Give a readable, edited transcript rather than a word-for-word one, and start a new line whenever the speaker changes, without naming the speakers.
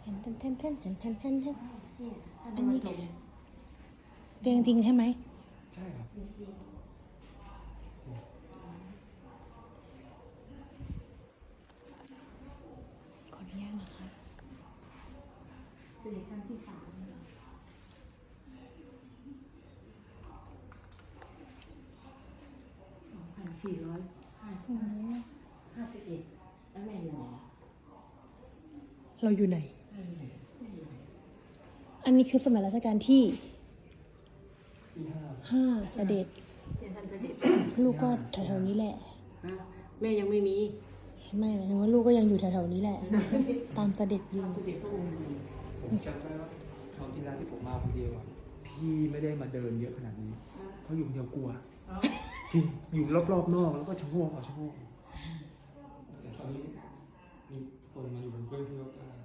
นอันนี้เตียงจริงใช่ไหม
ใช่ครับ
ขออนุญาตนะคะ
เสด็จครั้งที่3 2451แล้วแม่อยู่ไหน
เราอยู่ไหน อันนี้คือสมัยรัชกาลที่
ที่
5
5
เสด็จ
เป็นท่านเสด็จ
ลูกก็แถวๆนี้แหละ
แม่ยังไม่มี
ไม่หมายถึงว่าลูกก็ยังอยู่แถวๆนี้แหละ ตามเสด็จอยู่
เสด็จพระองค์อยู่
ผมจำได้ว่าคราวที่แล้วที่ผมมาคนเดียวอ่ะพี่ไม่ได้มาเดินเยอะขนาดนี้เพราะอยู่คนเดียวกลัวจริงอยู่รอบๆนอกแล้วก็ชะโงกเอาชะโงกแต่ตอนนี้มีคนมาอยู่บนเพื่อนที่รถได้